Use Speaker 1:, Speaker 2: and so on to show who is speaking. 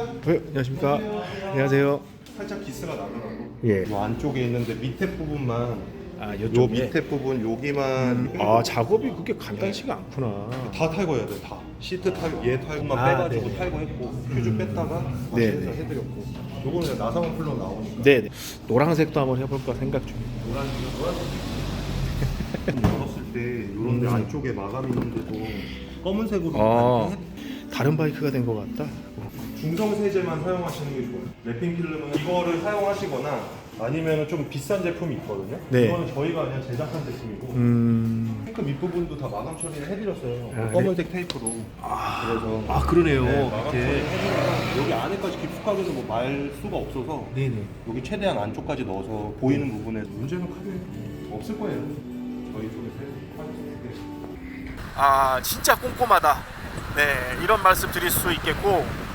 Speaker 1: 안녕하십니까. 안녕하세요.
Speaker 2: 살짝 기스가 나더라고.
Speaker 1: 예.
Speaker 2: 이 안쪽에 있는데 밑에 부분만,
Speaker 1: 아,
Speaker 2: 요
Speaker 1: 요쪽
Speaker 2: 밑에 부분 여기만
Speaker 1: 아, 작업이 그렇게 간단치가 않구나.
Speaker 2: 다 탈거해야 돼. 다 시트 탈거, 얘 탈거만
Speaker 1: 아,
Speaker 2: 빼가지고
Speaker 1: 네네.
Speaker 2: 탈거했고 퓨즈 뺐다가 다시
Speaker 1: 네네.
Speaker 2: 해서 해드렸고. 요거는 그냥 나사원 풀로 나오니까.
Speaker 1: 네. 노란색도 한번 해볼까 생각 중이에요.
Speaker 2: 열었을 때 요런데 안쪽에 마감 있는데도 검은색으로
Speaker 1: 아,
Speaker 2: 이렇게
Speaker 1: 다른 바이크가 된 것 같다.
Speaker 2: 중성 세제만 사용하시는 게 좋아요. 랩핑 필름은 이거를 사용하시거나 아니면 좀 비싼 제품이 있거든요.
Speaker 1: 네.
Speaker 2: 이거는 저희가 그냥 제작한 제품이고 탱크 밑부분도 다 마감 처리를 해드렸어요.
Speaker 1: 아,
Speaker 2: 검은색 테이프로. 그래서
Speaker 1: 아, 그러네요.
Speaker 2: 네, 마감 처리
Speaker 1: 이렇게.
Speaker 2: 해드리면 여기 안에까지 깊숙하게도 뭐 말 수가 없어서
Speaker 1: 네네.
Speaker 2: 여기 최대한 안쪽까지 넣어서 보이는 부분에 문제는 크게 없을 거예요. 저희 쪽에서 하셨을 때.
Speaker 1: 아, 진짜 꼼꼼하다. 네, 이런 말씀 드릴 수 있겠고,